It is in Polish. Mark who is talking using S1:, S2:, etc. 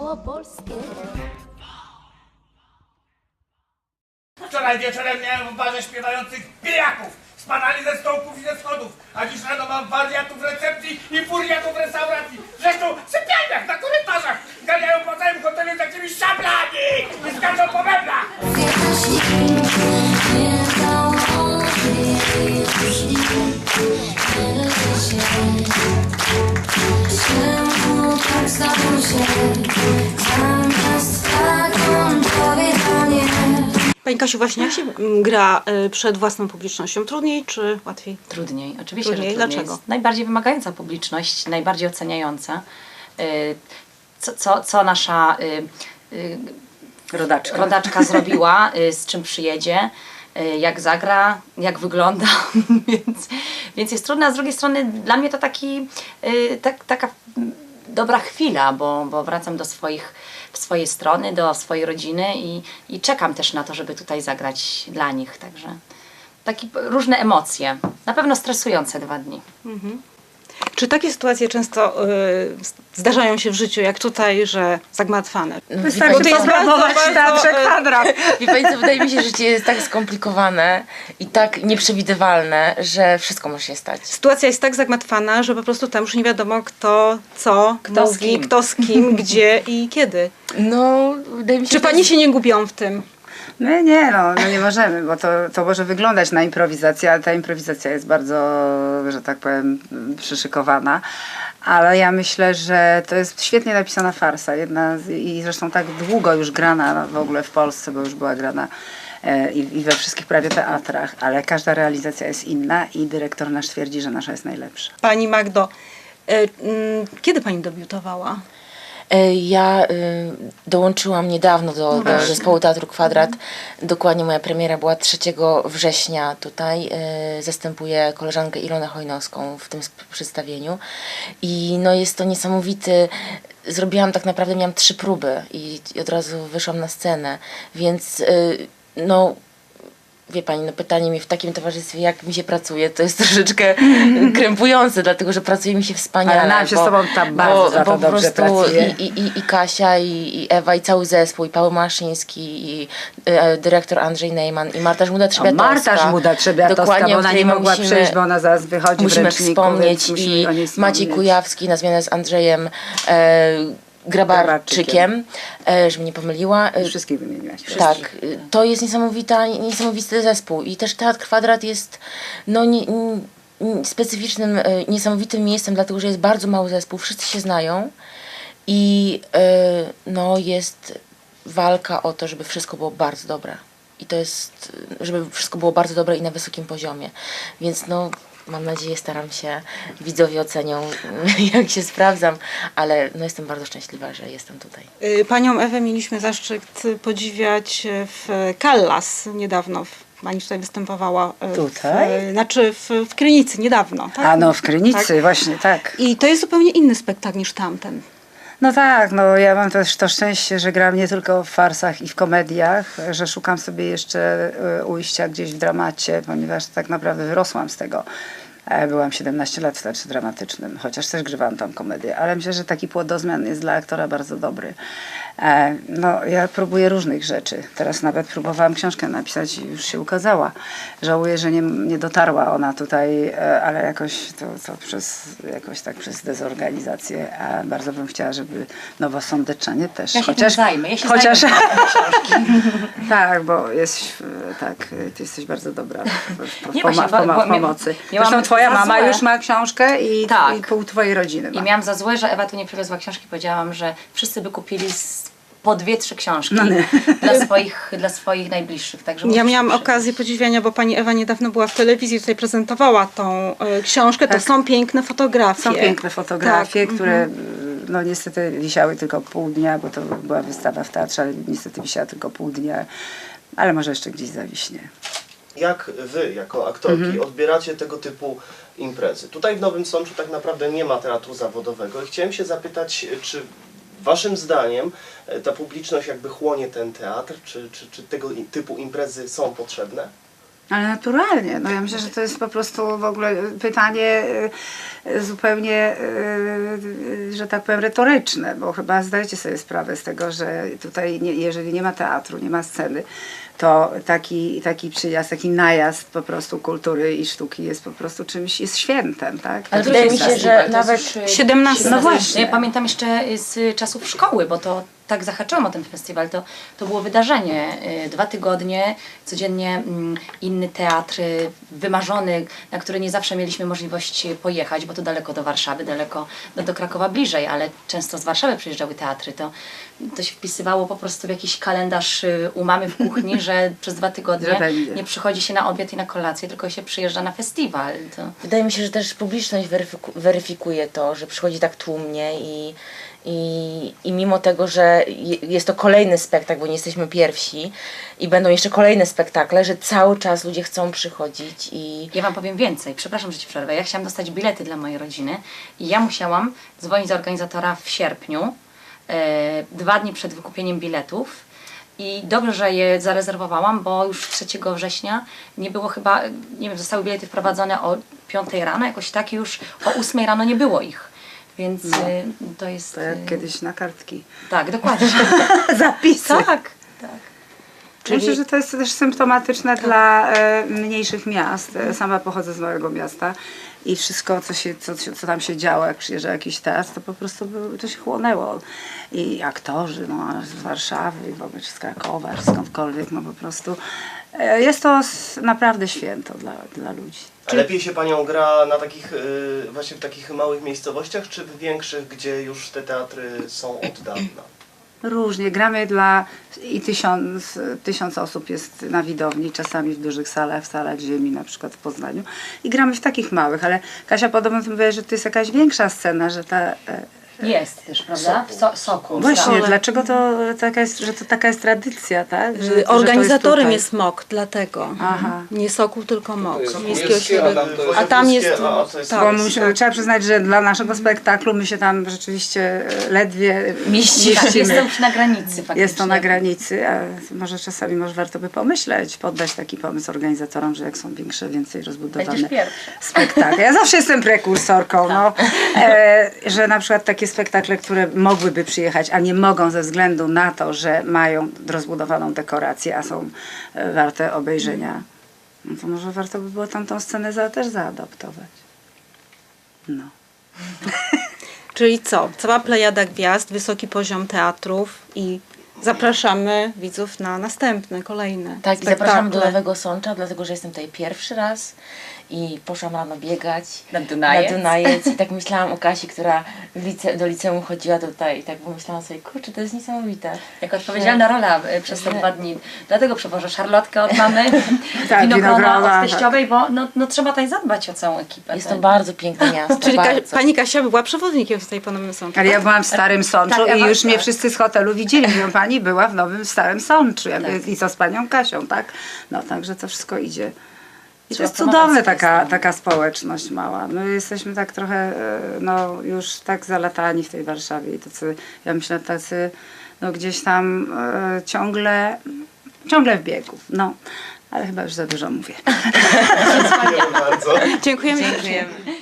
S1: małopolskie.
S2: Wczoraj wieczorem miałem w barze śpiewających pijaków. Spadali ze stołków i ze schodów. A dziś rano mam wariatów w recepcji i furiatów w restauracji. Zresztą w sypialniach, na korytarzach. Ganiają po całym hotelu takimi szablami i skaczą po meblach.
S3: Pani Kasiu, właśnie jak się gra przed własną publicznością? Trudniej czy łatwiej?
S4: Trudniej, oczywiście,
S3: Trudniej.
S4: że trudniej.
S3: Dlaczego?
S4: Jest najbardziej wymagająca publiczność, najbardziej oceniająca. Co nasza rodaczka zrobiła, z czym przyjedzie, jak zagra, jak wygląda, więc jest trudne, a z drugiej strony dla mnie to taka dobra chwila, bo wracam do swojej strony, do swojej rodziny i czekam też na to, żeby tutaj zagrać dla nich, także takie różne emocje, na pewno stresujące 2 dni.
S3: Czy takie sytuacje często zdarzają się w życiu, jak tutaj, że zagmatwane?
S5: Wystarczy poprawować w Teatrze Kwadrat.
S6: Wie pani co, wydaje mi się, że życie jest tak skomplikowane i tak nieprzewidywalne, że wszystko może się stać.
S3: Sytuacja jest tak zagmatwana, że po prostu tam już nie wiadomo kto, co, kto z kim, gdzie i kiedy.
S6: No, wydaje mi się,
S3: Czy pani się nie gubią w tym?
S5: My nie, no nie możemy, bo to może wyglądać na improwizację, ale ta improwizacja jest bardzo, że tak powiem, przyszykowana. Ale ja myślę, że to jest świetnie napisana farsa. I zresztą tak długo już grana w ogóle w Polsce, bo już była grana i we wszystkich prawie teatrach, ale każda realizacja jest inna i dyrektor nasz twierdzi, że nasza jest najlepsza.
S3: Pani Magdo, kiedy pani debiutowała?
S6: Ja dołączyłam niedawno do zespołu Teatru Kwadrat. Dokładnie moja premiera była 3 września tutaj. Zastępuję koleżankę Ilonę Chojnowską w tym przedstawieniu. I no jest to niesamowity... Zrobiłam tak naprawdę, miałam 3 próby i od razu wyszłam na scenę. Więc no... Wie pani, no pytanie mi w takim towarzystwie, jak mi się pracuje, to jest troszeczkę krępujące, dlatego że pracuje mi się wspaniale.
S5: Ale nam się z tobą tam bardzo za to
S6: po
S5: dobrze
S6: prostu
S5: pracuje.
S6: i Kasia, i Ewa, i cały zespół, i Paweł Maszyński, i dyrektor Andrzej Neyman, i Marta Żmuda-Trzebiatowska.
S5: Marta Żmuda-Trzebiatowska,
S6: Dokładnie,
S5: bo
S6: o
S5: ona
S6: której
S5: nie mogła
S6: musimy-
S5: przyjść, bo ona zaraz wychodzi w
S6: Musimy
S5: ręczniku,
S6: wspomnieć,
S5: więc musimy
S6: i
S5: o niej
S6: Maciej
S5: wspomnieć.
S6: Kujawski na zmianę z Andrzejem Grabarczykiem, żebym nie pomyliła.
S5: Wszystkich wymieniłaś.
S6: Tak, to jest niesamowity zespół i też Teatr Kwadrat jest no, specyficznym, niesamowitym miejscem, dlatego że jest bardzo mały zespół, wszyscy się znają i no, jest walka o to, żeby wszystko było bardzo dobre. I to jest, żeby wszystko było bardzo dobre i na wysokim poziomie. Więc no, mam nadzieję, staram się, widzowie ocenią, jak się sprawdzam, ale no, jestem bardzo szczęśliwa, że jestem tutaj.
S3: Panią Ewę mieliśmy zaszczyt podziwiać w Callas niedawno. Pani tutaj występowała.
S5: Tutaj?
S3: W Krynicy niedawno. Tak?
S5: A no w Krynicy, właśnie tak.
S3: I to jest zupełnie inny spektakl niż tamten.
S5: No tak, no ja mam też to szczęście, że gram nie tylko w farsach i w komediach, że szukam sobie jeszcze ujścia gdzieś w dramacie, ponieważ tak naprawdę wyrosłam z tego. Byłam 17 lat w teatrze dramatycznym, chociaż też grywałam tam komedię, ale myślę, że taki płodozmian jest dla aktora bardzo dobry. No, ja próbuję różnych rzeczy. Teraz nawet próbowałam książkę napisać i już się ukazała. Żałuję, że nie dotarła ona tutaj, ale jakoś przez dezorganizację. A bardzo bym chciała, żeby Nowosądeczanie też.
S4: Ja się tym zajmę,
S5: chociaż
S4: zajmę
S5: tak, bo ty jesteś bardzo dobra w
S4: Nie, właśnie, bo
S5: pomocy.
S4: miałam
S5: Zresztą twoja
S4: za
S5: mama
S4: złe.
S5: już ma książkę i
S4: Tak.
S5: pół twojej rodziny ma.
S4: I miałam za złe, że Ewa tu nie przywiozła książki. Powiedziałam, że wszyscy by kupili po 2-3 książki dla swoich najbliższych. Także
S3: Ja
S4: muszę
S3: miałam
S4: przyjść.
S3: okazję podziwiania, bo pani Ewa niedawno była w telewizji, tutaj prezentowała tą książkę. To są piękne fotografie.
S5: Są piękne fotografie,
S3: Tak,
S5: które no niestety wisiały tylko pół dnia, bo to była wystawa w teatrze, ale niestety wisiała tylko pół dnia, ale może jeszcze gdzieś zawiśnie.
S7: Jak wy, jako aktorki, odbieracie tego typu imprezy? Tutaj w Nowym Sączu tak naprawdę nie ma teatru zawodowego i chciałem się zapytać, czy waszym zdaniem ta publiczność jakby chłonie ten teatr, czy tego typu imprezy są potrzebne?
S5: Ale naturalnie. No ja myślę, że to jest po prostu w ogóle pytanie zupełnie, że tak powiem, retoryczne, bo chyba zdajecie sobie sprawę z tego, że tutaj jeżeli nie ma teatru, nie ma sceny, to taki przyjazd, taki najazd po prostu kultury i sztuki jest po prostu czymś, jest świętem, tak?
S6: Ale wydaje mi się, że nawet
S3: 17.
S5: No właśnie.
S4: Ja pamiętam jeszcze z czasów szkoły, bo to tak zahaczyłam o ten festiwal, to było wydarzenie. 2 tygodnie, codziennie inny teatr, wymarzony, na który nie zawsze mieliśmy możliwość pojechać, bo to daleko do Warszawy, daleko do Krakowa bliżej, ale często z Warszawy przyjeżdżały teatry. To się wpisywało po prostu w jakiś kalendarz u mamy w kuchni, że przez 2 tygodnie
S5: Że będzie.
S4: nie przychodzi się na obiad i na kolację, tylko się przyjeżdża na festiwal.
S6: wydaje mi się, że też publiczność weryfikuje to, że przychodzi tak tłumnie i mimo tego, że jest to kolejny spektakl, bo nie jesteśmy pierwsi i będą jeszcze kolejne spektakle, że cały czas ludzie chcą przychodzić i
S4: Ja wam powiem więcej, przepraszam, że ci przerwę. Ja chciałam dostać bilety dla mojej rodziny i ja musiałam dzwonić do organizatora w sierpniu, 2 dni przed wykupieniem biletów. I dobrze, że je zarezerwowałam, bo już 3 września nie było chyba, nie wiem, zostały bilety wprowadzone o 5 rano, jakoś tak, i już o 8 rano nie było ich. Więc to jest...
S5: To jak kiedyś na kartki.
S4: Tak, dokładnie.
S5: Zapisy.
S4: tak.
S5: Myślę, że to jest też symptomatyczne dla mniejszych miast. Sama pochodzę z małego miasta i wszystko, co tam się działo, jak przyjeżdżał jakiś teatr, to po prostu to się chłonęło. I aktorzy z Warszawy, i w ogóle czy z Krakowa, czy skądkolwiek, no po prostu jest to naprawdę święto dla ludzi.
S7: A lepiej się panią gra na takich, właśnie w takich małych miejscowościach, czy w większych, gdzie już te teatry są od dawna?
S5: Różnie. Gramy i 1000 osób jest na widowni, czasami w dużych salach, w salach ziemi, na przykład w Poznaniu. I gramy w takich małych, ale Kasia podobno mówi, że to jest jakaś większa scena, że ta...
S4: Jest też, prawda? Soku.
S5: Właśnie, dlaczego że to taka jest tradycja, tak? Że to jest
S3: Organizatorem
S5: tutaj.
S3: jest MOK, dlatego.
S5: Aha.
S3: Nie Sokół, tylko MOK.
S1: jest
S3: Miejskiego
S1: miejskie, a tam to
S3: Środowiska.
S1: jest-
S3: A tam jest...
S7: to jest
S3: tak.
S5: Bo trzeba przyznać, że dla naszego spektaklu my się tam rzeczywiście ledwie
S4: Mieści,
S5: mieścimy.
S4: jest to już na granicy faktycznie.
S5: Jest to na granicy, a może czasami warto by pomyśleć, poddać taki pomysł organizatorom, że jak są więcej rozbudowane
S4: Będziesz pierwsza.
S5: spektakle. Ja zawsze jestem prekursorką, no, że na przykład takie spektakle, które mogłyby przyjechać, a nie mogą ze względu na to, że mają rozbudowaną dekorację, a są warte obejrzenia, no to może warto by było tamtą scenę też zaadaptować. No.
S3: Czyli co? Cała plejada gwiazd, wysoki poziom teatrów i zapraszamy widzów na następne, kolejne
S6: tak, i
S3: spektakle.
S6: zapraszam do Nowego Sącza, dlatego że jestem tutaj pierwszy raz i poszłam rano biegać
S4: Na Dunajec.
S6: na Dunajec i tak myślałam o Kasi, która do liceum chodziła tutaj i tak pomyślałam sobie, kurczę, to jest niesamowite.
S4: Jako odpowiedzialna rola przez te 2 dni. Dlatego przewożę szarlotkę od mamy,
S5: Tak,
S4: winogrona
S5: winogrona,
S4: od teściowej, bo no, trzeba tutaj zadbać o całą ekipę.
S6: Jest
S4: tak?
S6: to bardzo piękne miasto,
S3: Czyli
S6: bardzo.
S3: pani Kasia była przewodnikiem tutaj po Nowym Sączu.
S5: Ale ja byłam w Starym Sączu
S4: Tak,
S5: i
S4: Ewa,
S5: już mnie
S4: tak.
S5: wszyscy z hotelu widzieli. Mówią, pani była w Nowym Starym Sączu. Ja mówię, i co z panią Kasią, tak? No, także to wszystko idzie. I to
S4: Trzeba
S5: jest
S4: promować
S5: cudowne
S4: swoje strony.
S5: taka społeczność mała. My jesteśmy tak trochę, no już tak zalatani w tej Warszawie i tacy, ja myślę, tacy, no gdzieś tam ciągle w biegu. No, ale chyba już za dużo mówię.
S7: Dziękuję bardzo.
S3: Dziękujemy.
S4: Dziękujemy.